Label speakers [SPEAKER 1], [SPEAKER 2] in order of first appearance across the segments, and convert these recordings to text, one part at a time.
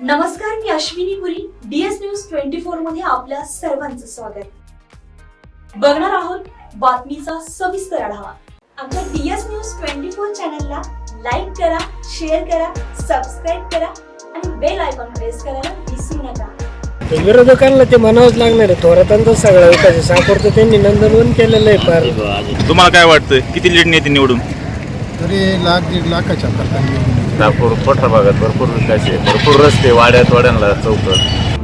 [SPEAKER 1] नमस्कार, मी Ashwini Puri. DS news 24 मध्ये आपल्या सर्वांचं स्वागत. बघणार आहोत बातमीचा सविस्तर आढावा. आमच्या DS न्यूज 24 चॅनलला लाईक करा, शेअर करा, सबस्क्राईब करा आणि बेल आयकॉन प्रेस करायला विसरू नका.
[SPEAKER 2] विरोधकांना ते म्हणावंच लागणार आहे. थोरातांचा सगळा विकास साखर तर त्यांनी नंदनवन केलेलं आहे. फार
[SPEAKER 3] तुम्हाला काय वाटतं किती लीड नेते निवडून?
[SPEAKER 4] तरी 1,00,000-1.5 लाखाच्या फरकाने
[SPEAKER 3] नागपूर पठार भागात भरपूर विकास आहे, भरपूर रस्ते, वाड्यांना चौकट.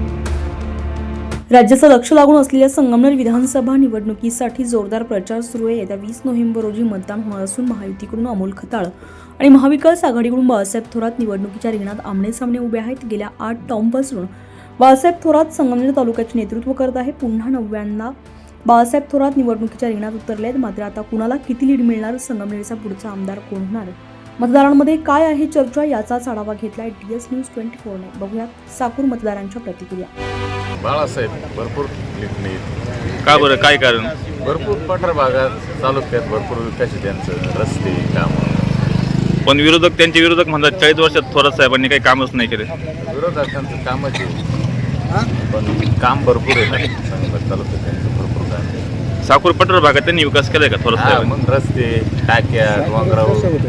[SPEAKER 5] राज्याचं लक्ष लागून असलेल्या संगमनेर विधानसभा निवडणुकीसाठी जोरदार प्रचार सुरू आहे. येत्या 20 नोव्हेंबर रोजी मतदान होणार असून महायुतीकडून अमोल खताळ आणि महाविकास आघाडीकडून बाळासाहेब थोरात निवडणुकीच्या रिंगणात आमनेसामने उभे आहेत. गेल्या 8 टर्मपासून बाळासाहेब थोरात संगमनेर तालुक्याचे नेतृत्व करत आहे. पुन्हा 9व्यांदा बाळासाहेब थोरात निवडणुकीच्या रिंगणात उतरले आहेत. मात्र आता कुणाला किती लीड मिळणार, संगमनेरचा पुढचा आमदार कोण होणार, मतदारांमध्ये काय आहे चर्चा, याचाच आढावा घेतलाय DS न्यूज 24 ने. बघूयात साकूर मतदारांच्या प्रतिक्रिया.
[SPEAKER 6] बाळासाहेब भरपूर लीड मिळेल.
[SPEAKER 3] का बरं, काय कारण?
[SPEAKER 6] भरपूर पठार भागात तालुक्यात भरपूर विकास आहे त्यांचं, रस्ते काम.
[SPEAKER 3] पण त्यांचे विरोधक म्हणतात 40 वर्षात थोरात साहेबांनी काही कामच नाही केले.
[SPEAKER 6] विरोधकांचं कामच आहे, पण काम भरपूर आहे ना संगमनेर तालुक्यात त्यांचं भरपूर काम आहे.
[SPEAKER 3] साकूर पठार भागात त्यांनी विकास केलाय का थोरात
[SPEAKER 6] हा,
[SPEAKER 3] साहेबांनी?
[SPEAKER 6] मग रस्ते, टाक्या, डोंगराव.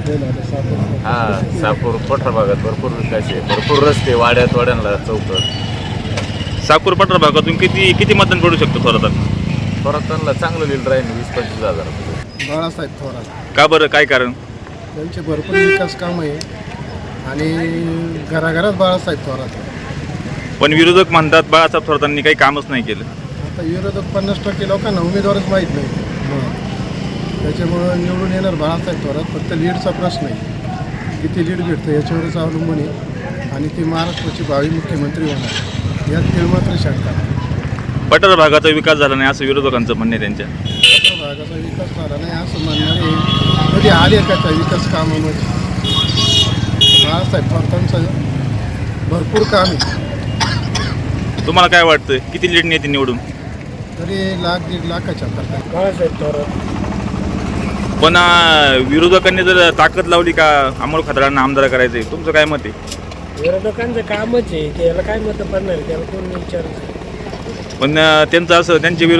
[SPEAKER 6] हा, साकूर पठार भागात भरपूर विकास आहे, भरपूर रस्ते, वाड्यांना चौकट.
[SPEAKER 3] साकूर पठार भागातून किती मतदान पडू शकतो थोरातांना?
[SPEAKER 6] थोरातांना चांगलं लीड राहील, 20-25 हजार.
[SPEAKER 4] बाळासाहेब थोरात
[SPEAKER 3] का बरं, काय कारण?
[SPEAKER 4] त्यांचे भरपूर विकास काम आहे आणि घराघरात बाळासाहेब थोरात.
[SPEAKER 3] पण विरोधक म्हणतात बाळासाहेब थोरातांनी काही कामच नाही केलं.
[SPEAKER 4] आता विरोधक 50% लोकांना उमेदवारच माहीत नाही. त्याच्यामुळं निवडून येणार बाळासाहेब थोरात. फक्त लीडचा प्रश्न आहे, किती लीड भेटतं याच्यावरच अवलंबून आहे. आणि ते महाराष्ट्राचे भावी मुख्यमंत्री होणार यात मात्र शंका.
[SPEAKER 3] पठार भागाचा विकास झाला नाही असं विरोधकांचं म्हणणं आहे त्यांच्या.
[SPEAKER 4] पठार भागाचा विकास झाला नाही असं म्हणणारे कधी आले का त्या विकास कामामध्ये? बाळासाहेब थोरातांचं भरपूर काम आहे.
[SPEAKER 3] तुम्हाला काय वाटतं किती लीड नेते निवडून?
[SPEAKER 4] तरी 1,00,000-1.5 लाखाच्या फरकाने
[SPEAKER 2] बाळासाहेब थोरात.
[SPEAKER 3] पण विरोधकांनी जर ताकद लावली का अमोल खताळांना आमदार करायचंय, तुमचं काय मत आहे?
[SPEAKER 2] विरोधकांचं कामच आहे, त्याला काय मत पडणार आहे, त्याला कोण विचारतं.
[SPEAKER 3] पण त्यांचं असं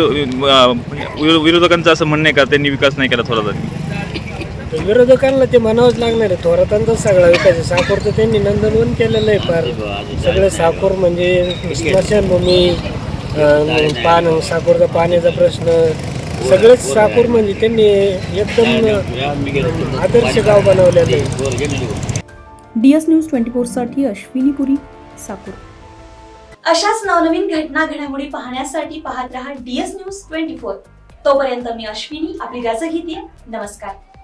[SPEAKER 3] विरोधकांचं असं म्हणणं आहे का त्यांनी विकास नाही केला थोरातांनी?
[SPEAKER 2] विरोधकांना ते म्हणावंच लागणार आहे. थोरातांचा सगळा विकास आहे. साखर तर त्यांनी नंदनवन केलेलं आहे. फार सगळे साखर म्हणजे स्मशानभूमी, साखरचा पाण्याचा प्रश्न, सगळेच साखर म्हणजे त्यांनी एकदम आदर्श गाव बनवलेलं आहे.
[SPEAKER 5] DS न्यूज 24 साठी अश्विनी पुरी, साकूर.
[SPEAKER 1] अशाच नवनवीन घडामोडी पाहण्यासाठी पाहत रहा DS न्यूज 24. तोपर्यंत मी अश्विनी आपली रजा घेते. नमस्कार.